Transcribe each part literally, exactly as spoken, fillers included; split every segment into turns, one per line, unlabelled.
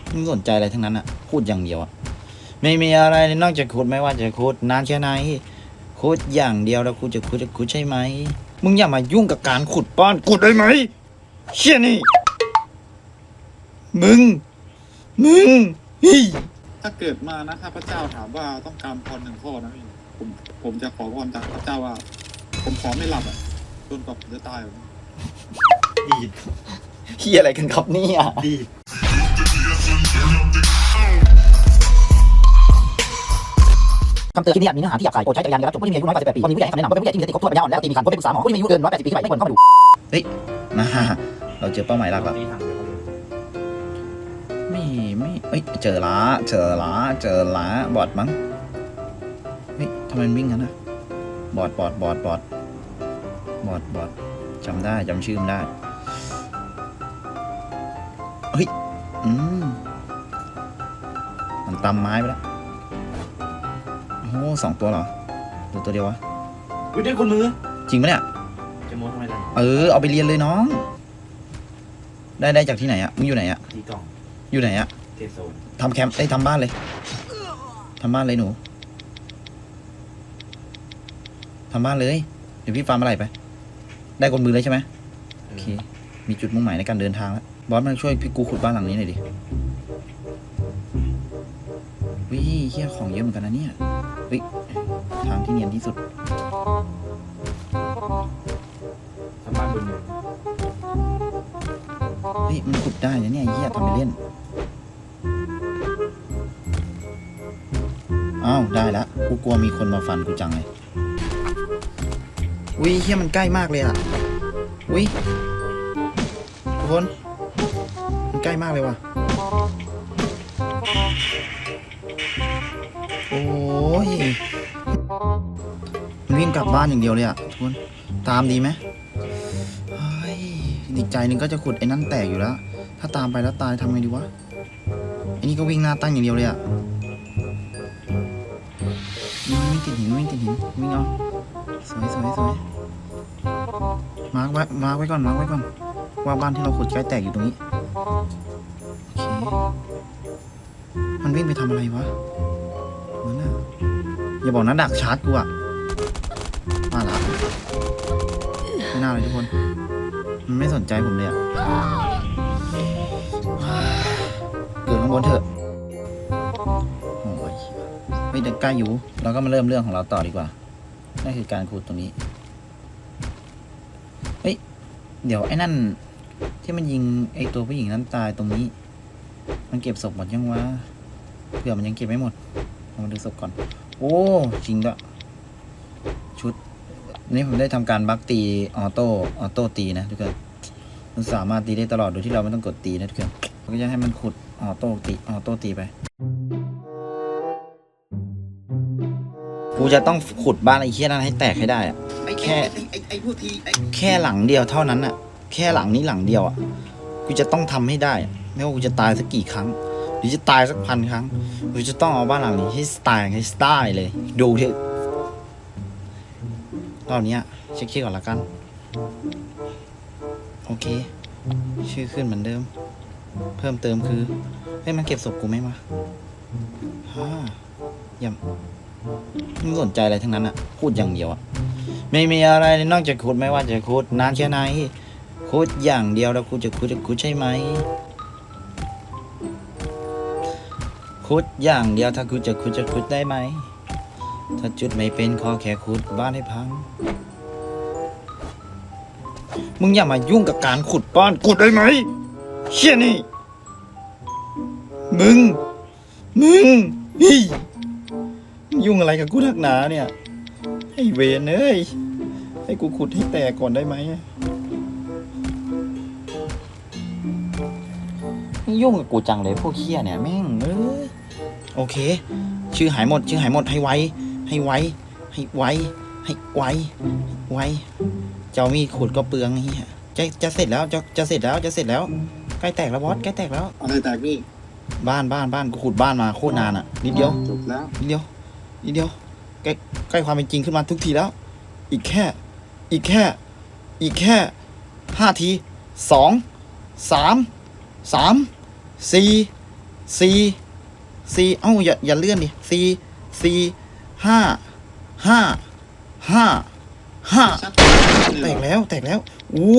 ไม่สนใจอะไรทั้งนั้นอะพูดอย่างเดียวอะไม่มีอะไรนอกจากขุดไม่ว่าจะขุดนานแค่ไหนขุดอย่างเดียวแล้วกูจะขุดจะขุดใช่ไหมมึงอย่ามายุ่งกับการขุดบ้านขุดได้ไหมเชี่ยนี่มึงมึงฮิ
ถ้าเกิดมานะถ้าพระเจ้าถามว่าต้องการพรหนึ่งข้อนะพี่ผมผมจะขอพรจากพระเจ้าว่า ผมขอไม่หลับอ่ะจนกว่าผมจะตาย
ดี
เฮียอะไรกันครับเนี่ย
ดี
คำเตือนคลิปนี้อาจมีเนื้อหาที่หยาบคายโปรดใช้จักรยานในการรับชมผู้ที่มีอายุน้อยกว่าสิบแปดปีควรมีผู้ใหญ่ให้คำแนะนำโดยเป็นผู้ใหญ่ที่มีสติครบถ้วนปัญญาอ่อนและสติมีขันคนเป็นปรึกษาหมอผู้ที่มีอายุเกินหนึ่งร้อยแปดสิบปีขึ้นไปไม่ควรเข้าไปดู
เฮ้ยมาเราเจอเป้าหมายหลักแล้วไม่ไม่เอ้ยเจอละเจอละเจอละบอดมั้งเฮ้ยทำไมมันวิ่งกันนะบอดบอดบอดบอดบอดบอดจำได้จำชื่อมันได้เฮ้ยอืมมันตำไม้ไปแล้วโอ้สองตัวเหรอตัวตัวเดียววะ
อุ้ยได้คนมือ
จริงปะเนี่ย
จะโม้ทำไมล่ะ
เออเอาไปเรียนเลยน้องได้ได้จากที่ไหนอะมึงอยู่ไหนอะ
ที่กล่อง
อยู่ไหนอะ
เทโซน
ทำแคมป์ไอ้ทำบ้านเลยทำบ้านเลยหนูทำบ้านเลยเดี๋ยวพี่ฟาร์มอะไรไปได้คนมือเลยใช่ไหมโอเคมีจุดมุ่งหมายในการเดินทางแล้วบอสมาช่วยพี่กูขุดบ้านหลังนี้หน่อยดิวิเฮี้ยของเยอะเหมือนกันนะเนี่ยวิทางที่เนียนที่สุด
ทำบ้านบนหนึ่ง
เฮ้ยมันขุดได้นะเนี่ยเฮี้ยทำไปเล่นอ้าวได้ละกูกลัวมีคนมาฟันกูจังเลยวิเฮี้ยมันใกล้มากเลยอ่ะวิทุกคนมันใกล้มากเลยว่ะโอ้ยมันวิ่งกลับบ้านอย่างเดียวเลยอ่ะทุกคนตามดีไหมเฮ้ยอีกใจหนึ่งก็จะขุดไอ้นั่นแตกอยู่แล้วถ้าตามไปแล้วตายทำไงดีวะไอ้นี่ก็วิ่งหน้าตั้งอย่างเดียวเลยอ่ะวิ่งติดหินวิ่งติดหินวิ่งเอาสวยสวยสวยมาร์กไว้มาร์กไว้ก่อนมาร์กไว้ก่อนว่าบ้านที่เราขุดใกล้แตกอยู่ตรงนี้โอเคมันวิ่งไปทำอะไรวะมันน่ะอย่าบอกนะดักชาร์จกูอะมาละไม่น่าเลยทุกคนมันไม่สนใจผมเลยอะเกิดข้างบนเถอะโอ้ยไม่ได้ใกล้อยู่เราก็มาเริ่มเรื่องของเราต่อดีกว่านั่นคือการขุดตรงนี้เฮ้ยเดี๋ยวไอ้นั่นที่มันยิงไอ้ตัวผู้หญิงนั้นตายตรงนี้มันเก็บศพหมดยังวะเผื่อมันยังเก็บไม่หมดเรามาดูศพก่อนโอ้จริงด้วยชุดนี่ผมได้ทำการบักตีออโต้ออโต้ตีนะทุกคนมันสามารถตีได้ตลอดโดยที่เราไม่ต้องกดตีนะทุกคนเราก็จะให้มันขุดออโต้ตีออโต้ตีไปกูจะต้องขุดบ้านไอ้เหี้ยนั้นให้แตกให้ได้อะแค่แค่หลังเดียวเท่านั้นอะแค่หลังนี้หลังเดียวอะกูจะต้องทำให้ได้ไม่ว่ากูจะตายสักกี่ครั้งหรือจะตายสักพันครั้งกูจะต้องเอาบ้านหลังนี้ให้สไตล์ให้สไตล์เลยดูเถอะรอบนี้เช็คชื่อก่อนละกันโอเคชื่อขึ้นเหมือนเดิมเพิ่มเติมคือให้มันเก็บศพกูไหมวะฮ่าย่ำไม่สนใจอะไรทั้งนั้นอะพูดอย่างเดียวอะไม่มีอะไรนอกจากขุดไม่ว่าจะขุดนานแค่ไหนขุดอย่างเดียวแล้วกูจะขุดจะขุดใช่ไหมขุดอย่างเดียวถ้าขุดจะขุดจะขุดได้ไหมถ้าจุดไม่เป็นขอแค่ขุดบ้านให้พังมึงอย่ามายุ่งกับการขุดบ้านขุดได้ไหมเชี่ยนี่มึงมึงฮิยุ่งอะไรกับกูนักหนาเนี่ยไอ้เวรเอ้ยให้กูขุดให้แตกก่อนได้ไหมยุ่งกับกูจังเลยพวกเคี้ยเนี่ยแม่งเออโอเคชื่อหายหมดชื่อหายหมดให้ไวให้ไวให้ไวให้ไวไวเจ้ามีขุดก็เปลืองเฮียจะจะเสร็จแล้วจะจะเสร็จแล้วจะเสร็จแล้วใกล้แตกแล้วบอสใกล้แตกแล้ว
อะไรแตกนี่
บ้านบ้านบ้านกูขุดบ้านมาโคตรนานอ่ะนิดเดียว
จบแล้ว
นิดเดียวนิดเดียวใกล้ใกล้ความเป็นจริงขึ้นมาทุกทีแล้วอีกแค่อีกแค่อีกแค่ห้าทีสองสามสามสี่สี่สี่เอ้าอย่าอย่าเลื่อนดิสี่สี่ห้าห้าห้าห้า
ชัก
แตกแล้วแตกแล้วโอ้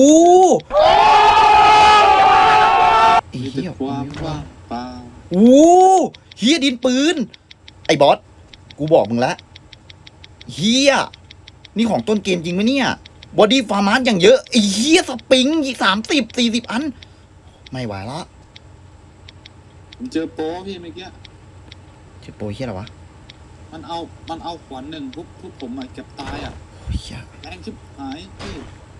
ไอ้
มี
เหี้
แต่
ย
ความว่างเปล่า
โอ้เฮียดินปืน ไอ้บอส กูบอกมึงละเฮียนี่ของต้นเกมจริงไหมเนี่ย บอดี้ฟาร์มาร์อย่างเยอะ ไอ้เฮียสปริงอีกสามสิบสี่สิบอัน ไม่ไหวละ
ผมเจอโป้พี่เมื่อกี้
เจ็บโปรยเฮียอะไรวะ
มันเอามันเอาขวานหนึ่งทุบทุบผมอ่ะเก็บตายอ่ะ
เฮีย
แรงชิบหายพี่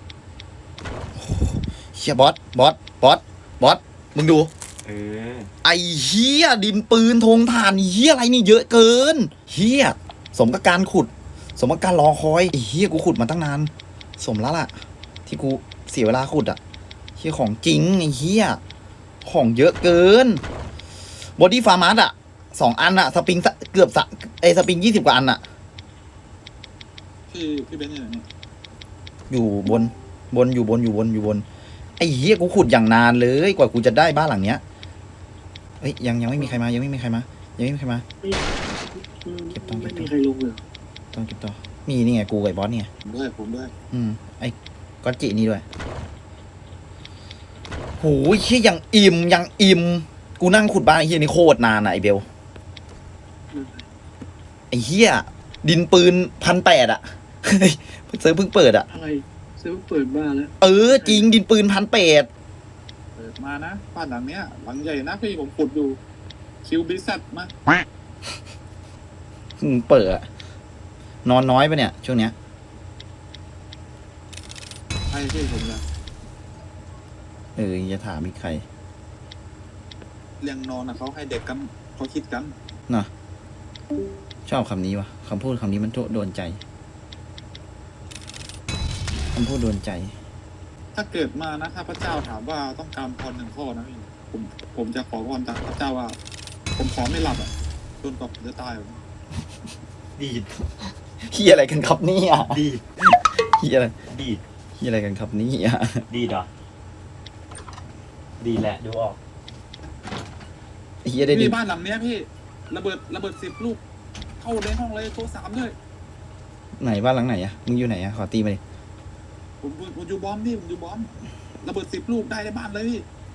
เฮียบอส บอส บอส บอส มึงดู
เออ
ไอ้เฮียดินปืนธงถ่านเฮียอะไรนี่เยอะเกินเฮียสมกับการขุด สมกับการรอคอยไอ้เฮียกูขุดมาตั้งนาน สมแล้วล่ะ ที่กูเสียเวลาขุดอ่ะเฮียของจริงไอ้เฮียของเยอะเกินบอดี้ฟาร์มัสอ่ะสองอันอ่ะสปริงเกือบสะไอสปริงยี่สิบกว่าอันอ่ะ
พี่พี่เบนซ์อยู่ไหนเนี่ย
อยู่บนบนอยู่บนอยู่บนอยู่บนไอ้เฮียกูขุดอย่างนานเลยกว่ากูจะได้บ้านหลังเนี้ยเฮ้ยยังยังไม่มีใครมายังไม่มีใครมายังไม่มีใครมา เก็บตังค์เก็บตังค์
ไม่มีใครลงเลย
ต้องเก็บต่อมีนี่ไงกูกับไอ้บอสเนี่ย
ผมด้วยผมด้วย
อืมไอ้ก๊อตจินี่ด้วยโหเฮียยังอิ่มยังอิ่มกูนั่งขุดบ้านไอ้เฮียนี่โคตรนานอะไอ้เบลไอ้เฮียดินปืนพันแปดอะเฮ้ยเซิร์ฟเพิ่งเปิดอะ
อะไรเซิร์ฟเปิดบ้านแล้ว
เออจริงดินปืนพันแปด
เปิดมานะบ้านหลังเนี้ยหลังใหญ่นะพี่ผมขุดดูคิวบิซัตมา
มึงเปิดอะนอนน้อยปะเนี่ยช่วงเนี้ย
ใช่พี่ผมเลย
เอออย่าถามมีใคร
เรียงนอนอ่ะเขาให้เด็กกันเขาคิดกัน
นะชอบคำนี้วะคำพูดคำนี้มันโดนใจคำพูดโดนใจ
ถ้าเกิดมานะถ้าพระเจ้าถามว่าต้องการพรหนึ่งข้อนะพี่ผมผมจะขอพรจากพระเจ้าว่า ผมขอไม่หลับอ่ะจนกว่าผมจะตายอะ
ดีด
เฮียอะไรกันครับเนี่ย
ดีด
เฮียอะไร
ดีด
เฮียอะไรกันครับเนี่ย
ดีดเหรอดีแหละดูออก
เฮียได้ดิ
พี่บ้านหลังเนี้ยพี่ระเบิดระเบิดสิบลูกเข้าในห้องเลยโทรสามด้วย
ไหนบ้านหลังไหนอะมึงอยู่ไหนอะขอตีมาดิ
ผมผมผมอยู่บอมพี่ผมอยู่บอมระเบิดสิบลูกได้ในบ้านเลยพี่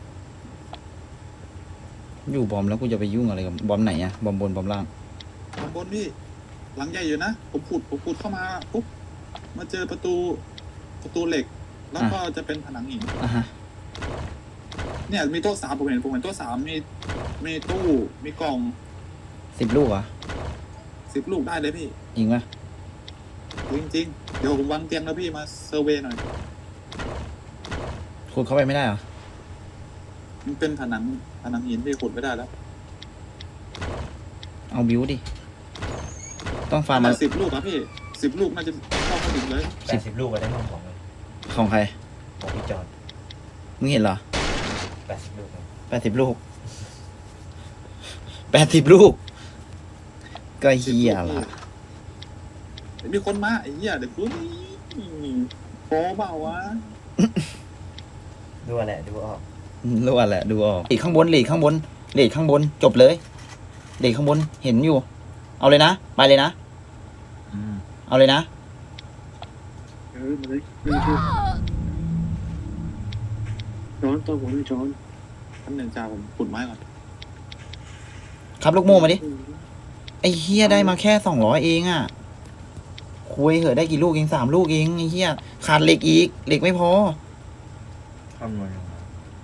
อยู่บอมแล้วกูจะไปยุ่งอะไรกับบอมไหนอะบอมบนบอมล่าง
ข้างบนพี่ หลังใหญ่อยู่นะผมขุดผมขุดเข้ามาปุ๊บมาเจอประตูประตูเหล็ก แล้วก็จะเป็นผนังหิน
อ่ะฮะ
เนี่ยมีโต๊ะสามผมเห็นผมเห็นโต๊ะสามมีมีตู้มีกล่อง
สิบลูกเหรอ
สิบลูกได้เลยพี่
จริงปะ
จริงๆเดี๋ยวผมวางเตียงแล้วพี่มาเซอร์เวย์หน่อย
ขุดเข้าไปไม่ได้เหรอ
มันเป็นผนังผนังหินพี่ขุดไม่ได้แล้ว
เอาบิวดิต้องฟาร์มมา
สิบลูกครับพี่สิบลูกน่าจะเข้ามาถึงเลย
แปดสิบลูกไปได้ห้องของเลย
ของใคร
ของพี่จอน
มึงเห็นเหรอ
แปดสิบลูกเลย
แปดสิบลูกแปดสิบลูกก็เฮียละ
มีคนมาไอ้เหี้ยเด็กรู้โป๊เปล่าวะ
ดูแหละดูออก
รู้อะแหละดูออกหลีกข้างบนหลีกข้างบนหลีกข้างบนจบเลยหลีกข้างบนเห็นอยู่ เอาเลยนะไปเลยนะ
อืม
เอาเลยนะ
เออมาเลยไม่ช่วยช้อนตัวผมไม่ช้อน
ท่านหนึ่งจ่าผมขุดไม้ก่อน
ครับลูกโม่มาดิไอ้เฮียได้มาแค่สองร้อยเองอ่ะคุยเหอะได้กี่ลูกเองสามลูกเองไอ้เฮียขาดเหล็กอีกเหล็กไม่พอ
คำนวณออกมา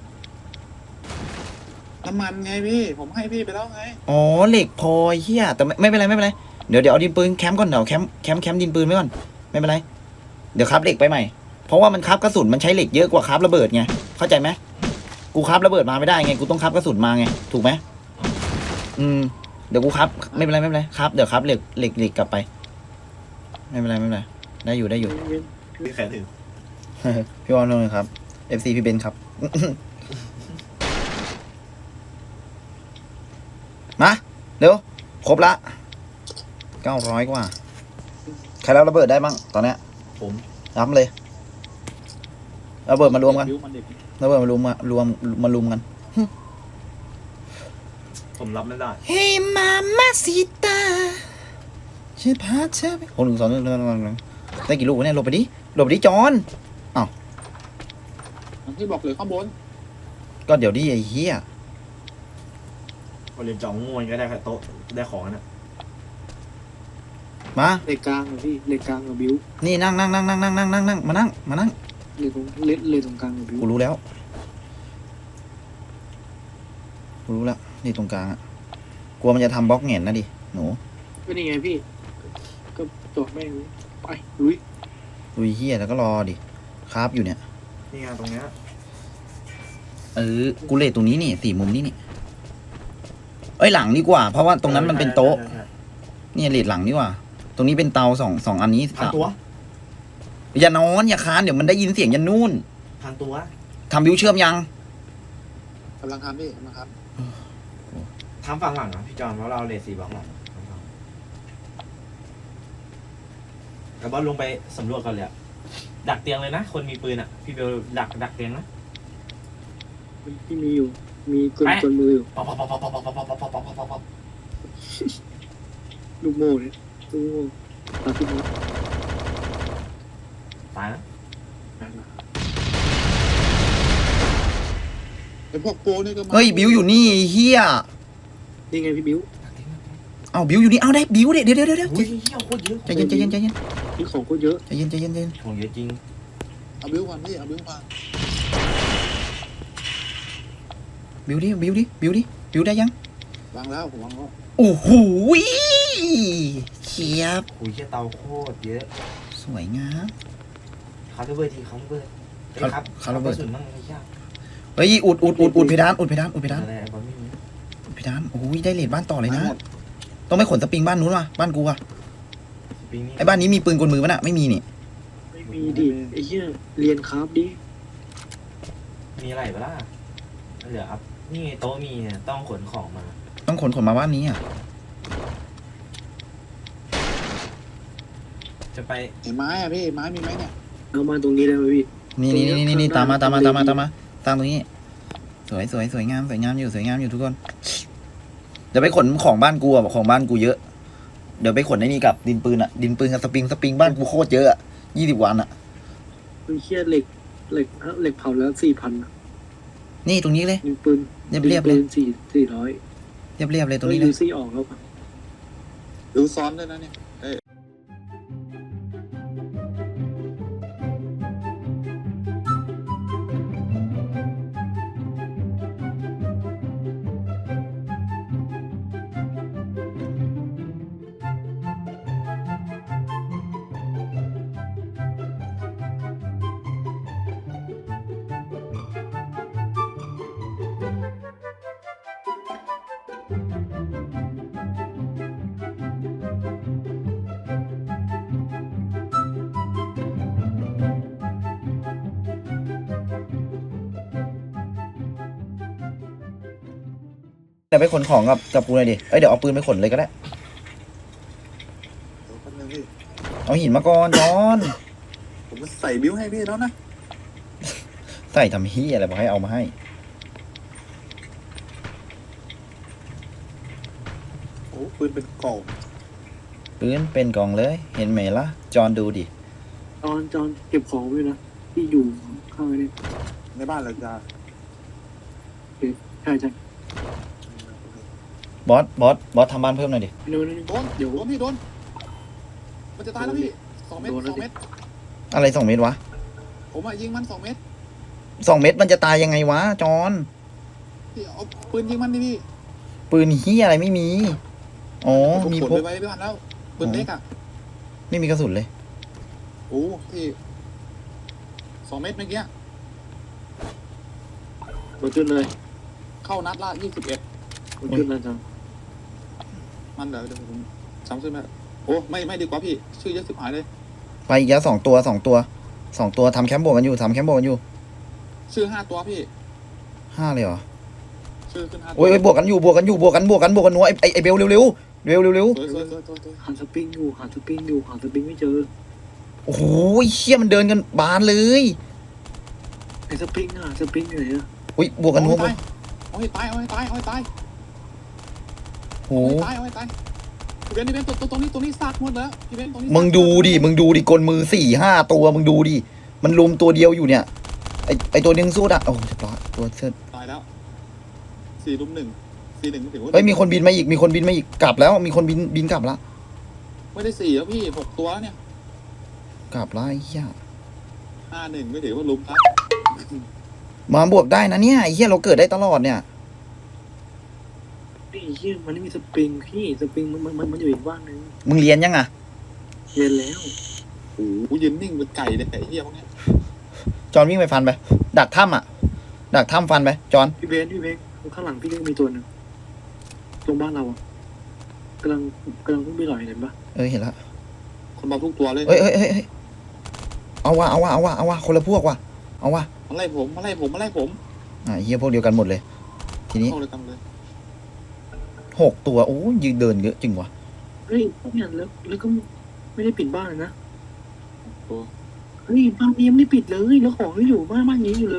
น้ำมันไงพี่ผมให้พี่ไปแล้วไง
อ๋อเหล็กพอไอ้เฮียแต่ไม่ไม่เป็นไรไม่เป็นไรเดี๋ยวเดี๋ยวเอาดินปืนแคมป์ก่อนเดี๋ยวแคมป์แคมป์แคมป์ดินปืนไว้ก่อนไม่เป็นไรเดี๋ยวครับเหล็กไปใหม่เพราะว่ามันครับกระสุนมันใช้เหล็กเยอะกว่าครับระเบิดไงเข้าใจไหมกูครับระเบิดมาไม่ได้ไงกูต้องครับกระสุนมาไงถูกไหมอืมเดี๋ยวกูครับไม่เป็นไรไม่เป็นไรครับเดี๋ยวครับเหล็กเหล็กเหล็กกลับไป ไม่เป็นไรไม่เป็นไรได้อยู่ได้อยู่
พี่แค่ถึง
พี่วอนลงเลยครับ เอฟ ซี พี่เบนซ์ครับ มาเร็วครบละเก้าร้อยกว่าใครรับระเบิดได้บ้างตอนเนี้ย
ผม
รับเลยระเบิดมารวมกัน
บิ้วมันเด็ก
ระเบิดมารวมมารวมมารุมกัน
ผ
ผมรับไม่ได้
เฮ้ยมามาซิตาฉันพาเธอไปโอ้หนึ่งสองหนึ่งหนึ่งหนึ่งหนึ่งได้กี่ลูกวะเนี่ยหลบไปดิหลบไปดิจอน
ที่บอกเลยข้างบน
ก็เดี๋ยวดิไอ้เหี้ย
พอเรียนจ่องงวนก็ได้โต๊ะได้ของนะ
มา
เหล็กกลางเหรอพี่เหล็กกลางกับบิว
นี่นั่งนั่งนั่งนั่งนั่งนั่งนั่งนั่งมานั่งมานั่ง
เหล็กตรงเล็ดเลยตรงกลางกับบิว
กูรู้แล้วกูรู้แล้วนี่ตรงกลางอะกลัวมันจะทำบล็อกแหงนนะดิหนู
ก็นี่ไงพี่ ก็จอดแม่งไปลุย
ดูเหี้ยแล้วก็รอดิคราฟอยู่เนี่ย
นี่ไงตรงเนี้ย
เออกูเลทตรงนี้นี่สี่มุมนี่นี่เอ้ยหลังดีกว่า เพราะว่าตรงนั้นมันเป็นโต๊ะ
ใช่ใช่
เนี่ยเลทหลังดีกว่า ตรงนี้เป็นเตาสองสองอันนี้
ใช่พันตัว
อย่านอนอย่าค้านเดี๋ยวมันได้ยินเสียงยันนู่น
พันตัว
ทำบิวเชื่อมยัง
กำลังทำพี่กำลังท
ทำฝั่งหลังนะพี่จอนเพราะเราเลทสี่บล็อกหลังแล้วบอสลงไปสำรวจกันเลยอะดักเตียงเลยนะ คนมีปืนอ่ะ พี่เบลดักดักเตียงนะ
ที่มีอยู่ มีกล
ไป
กลมืออยู่
ป๊อปป๊อปป๊อปป๊อปป๊อปป๊อปป๊อปป๊อปป๊อปป๊อปป๊อป
ลูกโม่เนี่ยลูกโม่ตาพี่น้อง
ตายนะ
ำไอ้พวกโปรนี่ก็มา
เฮ้ยบิวอยู่นี่ไอ้เฮีย
นี่ไงพี่บิว
ดักเตียงดักเตียง
เอาบิวอยู่นี่เอาได้บิวเดี๋ยวเดี๋ยวเดี๋ยวเดี๋ยว
อุ้ยเหี้ยโคตรเยอะ
ใจเย็นใจเย็นใจเย็น
นี่ของก็เยอะ
ใจเย็นใจเย็นใจเย็น
ของเยอะจริง
เอาบิวก่อนพี่เอาบิวก่อน
บิวดิบิวดิบิวดิบิวได้ยัง
วางแล้วผมวางแล้ว
โอ้โหเชียบ
อุ้ยเหี้ยเตาโคตรเยอะ
สวยงาม
เขาระเบิดทีเขาระเบิดเอ้ยครับ
เขาระเบิด
กสุนมั่งไม่ยาก
เฮ้ยอุดอุดอุดอุดเพดานอุดเพดานอุดเพดาน
อะไรบอลไม่มี
อุดเพดานโอ้ยได้เลทบ้านต่อเลยนะ
หมด
ต้องไปขนสปริงบ้านนู้นว่ะบ้านกูอะ
สปริงนี่
ไอ้บ้านนี้มีปืนกลมือปะน่ะไม่มีนี่
ไม่มีดิไอ้เหี้ยเรียนคราฟดิ
มีอะไรบ้างเหลืออัพนี่โต๊ะมีเนี่ยต้องขนของมา
ต้องขนขนมาบ้านนี้อ่ะ
จะไป
เห็นไม้อะพี่ไม้มีไหมเนี่ย
เอามาตรงนี้ได้ไหมพี่
นี่นี่นี่นี่นี่
ตร
ตาม
ง
มา
นี้
ตามมา
ข้า
ตาง ม
หน้า
มาตามมาตามตรงนี้ สวยสวยสวยงามสวยงามอยู่สวยงามอยู่ทุกคน เดี๋ยวไปขนของบ้านกูอะของบ้านกูเยอะ เดี๋ยวไปขนไอ้นี่กับดินปืนอะดินปืนกับสปริงสปริงบ้านกูโคตรเยอะอะยี่สิบวันอะ
ไอ้เหี้ยเหล็กเหล็กเหล็กเผาแล้วสี่พัน
นี่ตรงนี้เลย
ยิงปืน
เรียบเรียบๆเลย
ปืนสี่สี่ร้อย
เรียบเรียบๆเลยตรงนี้เล
ยู
ย
ซี่ออกแล้ว
ดูซ้อนด้วยนะเนี่ยเอ้ย
เดี๋ยวไปขนของกับกับกูเลยดิเอ้ยเดี๋ยวเอาปืนไปขนเลยก็ได้
เดี๋ยวแป๊บนึงพี่
เอาหินมาก่อนจอน
ผมจะใส่บิวให้พี่แล้วนะ
ใส่ทำเฮียอะไรบอกให้เอามาให้
โอ้ปืนเป็นกล่อง
ปืนเป็นกล่องเลย เห็นไหมล่ะจอนดูดิ
จอนจอนเก็บของไว้นะที่อยู่ข้างในนี่
ในบ้านเราจะ
ใช่ใช่
บอสบอสบอสทำบ้านเพิ่มหน่อยดิ
โดน
โดน
เดี๋ยว
โดนพี่โดนมันจะตายแล้วพี่สองเมตร
โดนแล้
ส
ว
อง
ดิ
เมตร
อะไรสองเมตรวะ
ผมอะยิงมันสองเมตร
สองเมตรมันจะตายยังไงวะจอน
พี่เอาปืนยิงมันดิพี่
ปืนเฮียอะไรไม่มี อ๋อ
ผม
มี
ขน
พก
ไปไว้ที่บ้านแล้วปืนเล็กอะ
ไม่มีกระสุนเลย
โอ้พี่สองเมตรเมื่อกี้
บนจุดเลย
เข้านัดละยี่สิบเอ็ด
บนจุดเลยจัง
มันเดี๋ยวเดี๋ยวผมซ้ำขึ้นมาโอ้ไม่ไม่ดีกว่าพี่ ชื่อเยอะสิบหายเลย
ไปอีกแล้วสองตัวสองตัวสองตัวทำแคมป์โบกกันอยู่ทำแคมป์โบกกันอยู่
ชื่อห้าตัวพี่
ห้าเลยเหรอ
ชื่อขึ้นห้าตัว
โอ้ยโอ้ยบวกกันอยู่บวกกันอยู่บวกกันบวกกันบวกกันนัวไอ้ไอ้ไอ้เบลเร็วเร็วเร็วเร็วเร็ว
สวยสวยสวยสวยสวย
หาสปริงอยู่หาสปริงอยู่หาสปริงไม่เจอ
โอ้โหเชี่ยมันเดินกันบานเลย
ไอ้สปริงอ่ะสปริงอยู่ไหนอ่ะ
อุ้ยบวกกันนัวบวก
เอาให้ตายเอาให้ตายเอาให้ตายตายเอาไม่ตายพี่เบนพี่เบนตัวตัวตรงนี้ตรงนี้ซากหมดแล้วพี่เบนตรงนี้
มึงดูดิมึงดูดิกลมือสี่ห้าตัวมึงดูดิมันลุมตัวเดียวอยู่เนี่ยไอไอตัวนึงสู้อ่ะโอ้เรียบร้อยตัวเสื้อ
ตายแล้วสี่ลุมหนึ่งสี่หนึ่งถือว่า
เฮ้ยมีคนบินมาอีกมีคนบินมาอีกกลับแล้วมีคนบินบินกลับละ
ไม่ได้สี่แล้วพี่หกตัวแล้วเนี่ย
กลับละไอ้เหี้ย
ห้าหนึ่งไม่ถือว่าลุมครับ
มาบวกได้นะเนี่ยไอ้เหี้ยเราเกิดได้ตลอดเนี่ย
ไอ้เหี้ยมันไม่มีสปริงพี่สปริงมันมันมันอยู่อีกบ้านนึง
มึงเรียนยังอ่ะ
เรียนแล้ว
โอ้โหยืนนิ่งเป็นไก่เลยไอ้เหี้ยพวกเนี้ย
จอนวิ่งไปฟันไปดักถ้ำอ่ะดักถ้ำฟันไปจอน
พี่เบนพี่เบนข้างหลังพี่ก็มีตัวหนึ่งตรงบ้านเราอะกำลังกำลังพุ่งไปหล่อยเห็นปะ
เออเห็นละ
คนมาทุกตัวเลย
เอ้ยเอ้ยเอ้ยเอ้ยเอาวะเอาวะเอาวะเอาวะคนละพวกว่ะเอาวะ
มาไล่ผมมาไล่ผมมาไล่ผม
อ่ะไอ้เหี้ยพวกเดียวกันหมดเลย ทีนี้
เข้าเลยกันเลย
หกตัวโอ้ยยืนเดินเยอะจริงวะ
เฮ้ยเนี่ยแล้วแล้วก็ไม่ได้ปิดบ้านเลยนะ
ตัว
เฮ้ยบ้านนี้ยังไม่ได้ปิดเลยแล้วของก็อยู่บ้านบ้านนี้อยู่เลย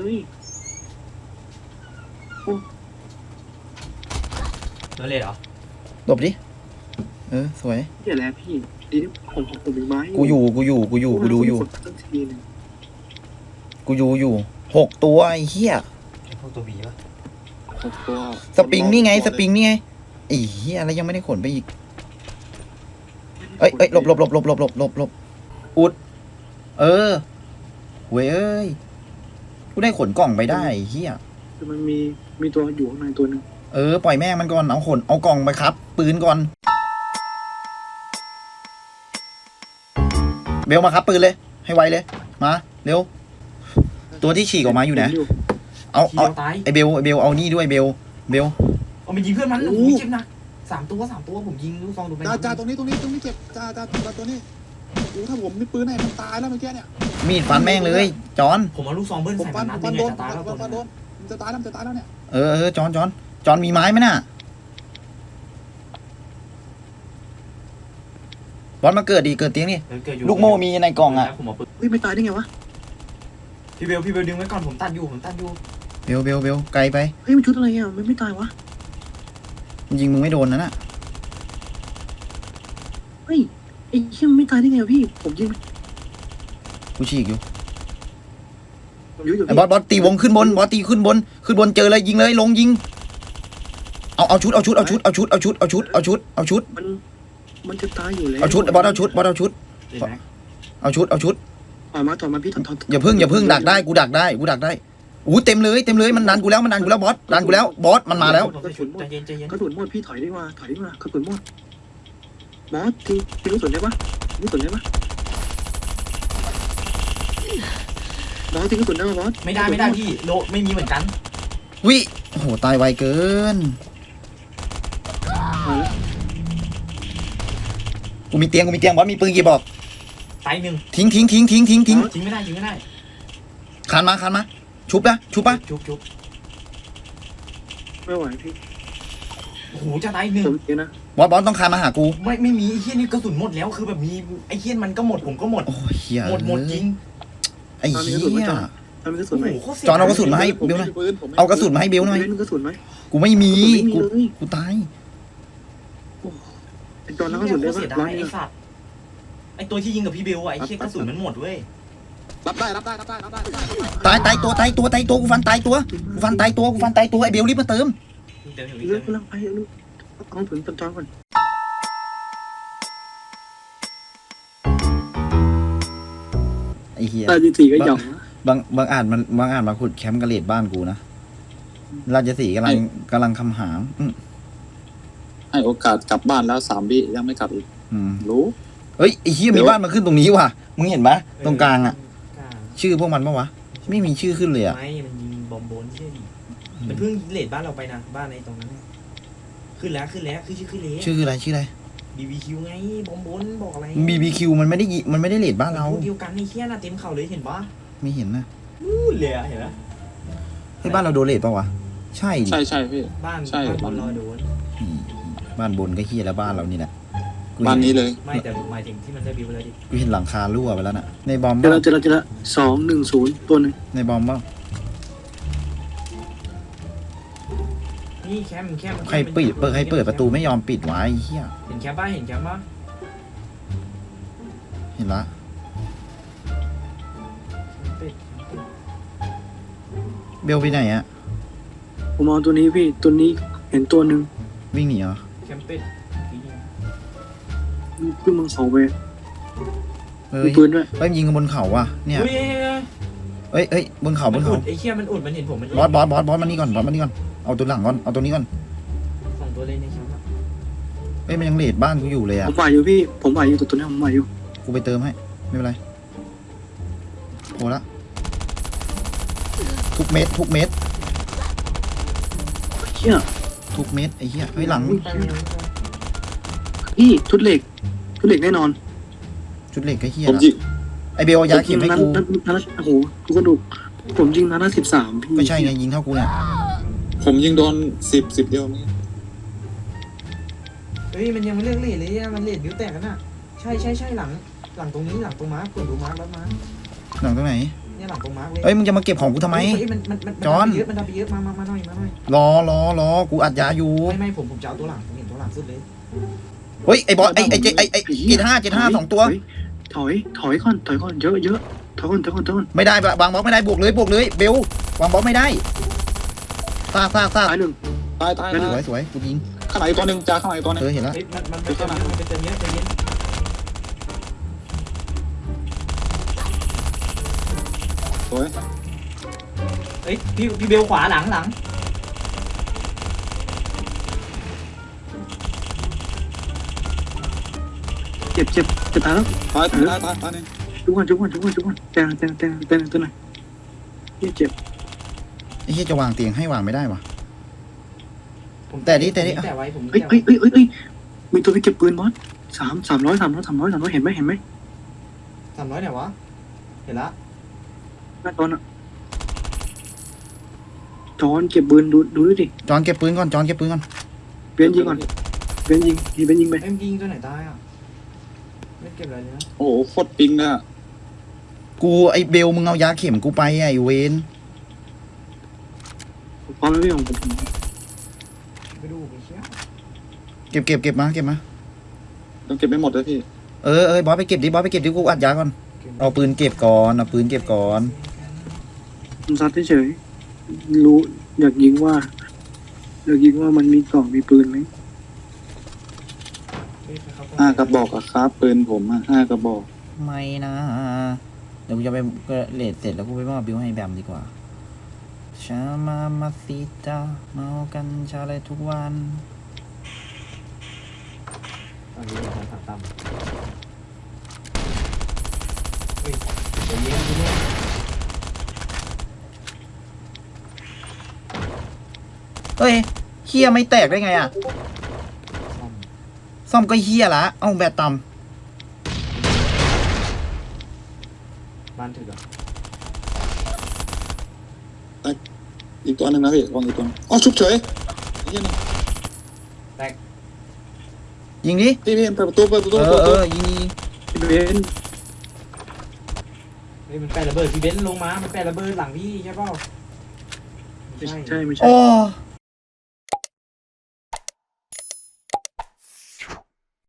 โดนเลยเหรอ
หลบดิเออสวย
เดี๋ยวแล้วพี่ดีที่ผมผมผมมีไม้
กูอยู่กูอยู่กูอยู่กูดูอยู่
กดตั้งทีนึง
กูอยู่อยู่หกตัวไอ้เหี้ย
ไอ้พวกตัวบีปะ
หกตัว
สปริงนี่ไงสปริงนี่ไงไอ้เหี้ยแล้วยังไม่ได้ขนไปอีกเอ้ยเอ้ยหลบหลบหลบหลบหลบหลบหลบหลบอุดเออเว้ยเอ้ยกูได้ขนกล่องไปได้ไอ้เหี้ย
แต่มันมีมีตัวอยู่ข้างในตัวหนึง
เออปล่อยแม่งมันก่อนเอาขนเอากล่องไปครับ ปืนก่อนเบลมาครับปืนเลยให้ไวเลยมาเร็วตัวที่ฉีกออกมาอยู่ไหนเอา
ที
เอา
เดียวตาย
ไอเบลไอเบลเอานี่ด้วยเบลเบล
เอามันยิงเพื่อนมันโอ้โหเจ็บหนักสามตัวสามตัวผมยิงลูกซองดูไป
จ้าจ้าตรงนี้ตรงนี้ตรงนี้เจ็บจ้าจ้าจ้าตัวนี้โอ้ถ้าผมมีปืนให้มันตายแล้วเมื่อกี้เนี่ย
มีดฟันแม่งเลยจอน
ผมเอาลูกซองเบิ้ล
ผม
ใส่
ฟั
มัน นนัด
ผม
นึ
ฟัน
ง
โด
ไง
น
จะตายแล้ว
ผม
ตัว
ฟันโด
นึง
นมันจะตายแล้วมันจะตายแล้วเนี่ย
เออเออจอนจอนจอนมีไม้ไหมน่ะบอลมาเกิดดีเกิดเตียงนี่
เออเกิดอยู่
ลูกโม่มีในกล่องอ่ะ
ผมเอาปืน
เฮ้ยไม่ตายได้ไงวะ
พี่เบลพี่เบลดึงไว้ก่อนผมตัดอยู่ผมตัดอยู่
เบลเบลเบลไกลไป
เฮ้ยมันชุดอะไรอ่ะมันไม่ตายวะ
ยิงมึงไม่โดนนะน่ะ
เฮ้ยไอ้เหี้ยมันไม่ตายได้ไงวะพี่ผมยิง
กูฉีกอยู่
ผมยิงอยู่
ไอ้บอสบอสตีวงขึ้นบนบอสตีขึ้นบนขึ้นบนเจอเลยยิงเลยลงยิงเอาเอาชุดเอาชุดเอาชุดเอาชุดเอาชุดเอาชุดเอาชุดเอาชุด
มันมันจะตายอยู่แล้ว
เอาชุดบอสเอาชุดบอสเอาชุด
เห็นไหม
เอาชุดเอาชุด
ถอยมาถอยมาพี่ถอยถอย
อย่าพึ่งอย่าพึ่งดักได้กูดักได้กูดักได้อู้เต็มเลยเต็มเลยมันดันกูแล้วมันดันกูแล้วบอสดันกูแล้วบอสมันมาแล้ว
ผมใส่ชุดใจเย็นใจเย็น
กระสุนหมดพี่ถอยดีกว่าถอยดีกว่ากระสุนหมดบอสทีทีกระสุนได้ปะทีกระสุนได้ปะบอสทีกระสุนได้ปะบอส
ไม่ได้ไม่ได้พี่โลไม่มีเหมือนกัน
วิโอ้โหตายไวเกิน
มาแล้ว
กูมีเตียงกูมีเตียงบอสมีปืนกี่บอก
ตายหนึ่ง
ทิ้งทิ้งทิ้งทิ้งทิ้งทิ้ง
ยิงไม่ได้ยิงไม่ได้
คานมาคานมาชุบนะชุบปะ
ชุบชุบ
ไม่ไหวพี่
โอ้โหจะตายหนึ่ง
ผมเองนะ
บอสบอสต้องคานมาหากู
ไม่ไม่มีไอ้เฮี้ยนี่กระสุนหมดแล้วคือแบบมีไอ้เฮี้ยมันก็หมดผมก็หมด
โอ้ยเฮีย
หมดหมดจริง
ไอ้เฮีย
ทำกระสุ
โอ้
นไหม
โหโคตรเสีย
จอนเอากระสุนมาให้
ผม
เบลหน่อย
มีปืนผมมี
เอากระสุนมาให้เบลหน่อย
เล่นกระสุนไหม
กูไม่มี
ไม่มี
กู
เลย
กูตาย
เป็นตอนนั้นกระสุนได้
เสีย
ปะ
ดา
ร้อย ย
ไอ้สัตว์ไอ้ตัวที่ยิงกับพี่เบลอะไอ้เฮี้ยกระสุนมันหมดเว้ย
รับได้รับได้รับได้รับได้รับได้รับได้
ตายตายตัวตายตัวตายตัวกูฟันตายตัวกูฟันตายตัวกูฟันตายตัวไอ้เบลรีบมาเติม
เดี๋ยวเดี๋ยว
เลื
เดี๋
อย ก
ว
กำลังไปลูกเอาถึงตอนจอนก่อน
ไอ้เฮีย
ตาจีสี่ก็หย่องนะ
บางบางอาจมันบางอาจมาขุดแคมป์กระเลดบ้านกูนะราชสีห์กำลังกำลังคำหางอืม
ให้โอกาสกลับบ้านแล้วสามวิยังไม่กลับอีก
อืม
รู้
เฮ้ยไอ้เฮีย
เดี๋
มี
ยว
บ้านมาขึ้นตรงนี้ว่ะมึงเห็นปะตรงกลางอ่ะ
กลาง
ชื่อพวกมันปะวะไม่มีชื่อขึ้นเลยอ่ะ
ไม่มันยิงบอมโบนเชื่อดิมันเพิ่งเลดบ้านเราไปนะบ้านในตรงนั้นน่ะขึ้นแล้วขึ้นแล้วคือชื่อขึ้นแล้ว
ชื่ออะไรชื่ออะไร
บีบีคิวไงบอมโบนบอกอะไร
บีบีคิวมันไม่ได้ยิมันไม่ได้เลดบ้านเรา
พวกเดียวกันไอ้เฮี้ยน่ะเต็มเข่าเลยเห็นปะ
ไม่เห็นนะ
นู่นเลยอะเห็นไหม
เฮ้ยบ้านเราโดนเลดปะวะใช่ดิ
ใช่ใช่พี่
บ้าน
ใช่
บ้านบอลลอยโดน
อืมบ้านบนก็เฮียแล้วบ้านเรานี่แหละกู
บ้าน
เห็
นี้เลย
ไม่แต่หมายถึงที่มันได้บิวเลยดิ
กูเห็นหลังคารั่วไปแล้วน่ะในบอม
เจอ
บ้า
แล้วเจอแล้วเจอแล้วสองหนึ่งศูนย์ตัวหนึ่ง
ในบอมบ้า
นี่นี่แคมป์แคมป์
ใครเปิดเปิดใครเปิดประตูไม่ยอมปิดวะไอ้เหี้ย
เห็นแคมป์ป่ะเห็นแคมป์ป่ะ
เห็นละ
ปิดปิด
เบลไปไหนอะ
ผมเอาตัวนี้พี่ตัวนี้เห็นตัวหนึ่ง
วิ่งหนีเหรอ
แคมป์ปิด
เพิ่งมึงเสาไป
เฮ้
มี
ย
ปืนด้วย
เฮ้ยยิงกันบนเขาว่ะเนี่ย
อุ้ย
เฮ้ยเฮ้ยบนเขาบ
มัน
น
อุ
เขา
ดไอ้เหี้ยมันอุดมันเห็นผมมัน
บอสบอสบอสบอสมานี่ก่อนบอสมานี่ก่อนเอาตัวหลังก่อนเอาตัวนี้ก่อน
สองตัวเลยในแคมป์อะ
เฮ้ยมันยังเลดบ้านกูอยู่เลย
ผ
อะ
มไหวอยู่พี่ผมไหวอยู่ตัวตัวนี้ผมไหวอยู่
กูไปเติมให้ไม่เป็นไรโหละทุกเม็ดทุกเม็ด
เชี่ย
ทุกเม็ดไอ้เหี้ยเฮ้ยหลัง
ไปไม่รู้
พี่ชุดเหล็กชุดเหล็กแน่นอน
ชุดเหล็กไอ้เหี้ย
ผม
ละ
ยิง
ไอเบลเอายาเข็มให้
นั้น
กู
นั้นนั้นโอ้โหกูกระดูกผมยิงนัดละสิบสามพี่
ก็ใช่ไงยิงเท่ากูเนี่ย
ผมยิงโดนสิบสิบเดียวเมื่อกี้
เฮ้ยมันยังไม่เลิกเลทเลยอะมันเลทบิ้วแตกกันอะใช่ใช่ใช่หลังหลังตรงนี้หลังตรงมาร์คกดดูมาร์คแล้วมาร์ค
หลังตรงไหน
เนี่ยหลังตรงมาร์คเลย
เอ้ยมึงจะมาเก็บของกูทำไม
เฮ้ยมันมันมัน
จอน
เยอะมันดับไปเยอะมามามาหน่อยมาหน่อย
รอรอรอกูอัดยาอยู่
ไม่ไม่ผมผมจะเอาตัวหลังผมเห็นตัวหลังสุดเลย
เฮ้ยไอบอสไอไอเจไอไอเจ็ดห้าเจ็ดห้าสองตัว
ถอยถอยก่อนถอยก่อนเยอะเยอะถอยก่อนถอยก่อนถอยก่อน
ไม่ได้วางบล็อกไม่ได้บวกเลยบวกเลยเบลวางบล็อกไม่ได้ซากซากซาก
ตายหนึ่ง
ตายตาย
ส
ตา
วย ยสวยกูยิง
ข้างไหนตัวหนึ่งจ้าข้างไหนตัวหนึง
เออเห็นแล้ว
เฮ้ยมันมันไปเติมเยอะมันไปเติมเยอะใจเย็น
สวย
เฮ้ยพี่พี่เบลขวาหลังหลัง
เจ็บเจ็บจะตายแล้ว
ตายตายตายตายตายหนึ่ง
จุกก่อนจุกก่อนจุกก่อนจุกก่อนแตงแตงแตงแตงตัวไหนยี่เจ็บ
ไอ้เหี้ยจะวางเตียงให้วางไม่ได้วะ
ผม
แต่นี่แต่นี่
แต่ไว้ผม
เฮ้ยเฮ้ยเฮ้ยเฮ้ยเฮ้ยมีตัวไปเก็บปืนบอสสามสามร้อยสามร้อยสามร้อยสามร้อยเห็นไหมเห็นไหม
สามร้อยไหนวะเห็นละ
หน้าตอนอ่ะจอนเก็บปืนดูดูด้วยดิ
จอนเก็บปืนก่อนจอนเก็บปืนก่อน
เบียนยิงก่อนเบียนยิงทีเบียนยิงไป
เอ็มยิงตัวไหนตายอ่ะไม่เก็บอะไรเลยนะ
โอ้โหโคตรปิงเลยอะ
กูไอเบลมึงเอายาเข็มกูไปไอเวน
พร้อมแล้วพี่ของผม
ไปดูไปเชี่ย
เก็บเก็บเก็บมาเก็บมา
ต้องเก็บไม่หมดเลยพี่
เออเออบอสไปเก็บดิบอสไปเก็บดิกูอัดยาก่อนเอาปืนเก็บก่อนเอาปืนเก็บก่อน
ผมซัดเฉยๆรู้อยากยิงว่าอยากยิงว่ามันมีกล่องมีปืนไหม
เฮ้ยไปเข้า
ห้ากระบอกอะครับปืนผมอะห้ากระบอก
ไม่นะเดี๋ยวกูจะไปเลดเสร็จแล้วกูไปมอบบิวให้แบมดีกว่าชามามาซิตาเมากันชาเลยทุกวัน
ตอนนี้เราของถัดต่ำเฮ้ยเดี๋ยวเย็นทีนี้
เฮ้ยเฮียไม่แตกได้ไงอ่ะ
ซ่อม
ซ่อมก็เฮียละเอ้าแบตต่
บ้านถึกอ่ะ
อีกตัวหนึ่งนะพี่วางอีกตัวหนึ่งอ๋อชุบเฉยไอ้เหี้ยนี่
ำยิงดิ
พี่พี่เปิดประตูเปิดประตู
เอ
เปิ
อ
ดประ
เอ
ตู
อยิงยิง
เบียน
เฮ้ยมันแปะระเบิดพี่เบนซ์ลงมา มันแปะระเบิดหลังพี่ใช่เปล่าไม่ใช่
ใช่ไม่ใช่
โอ้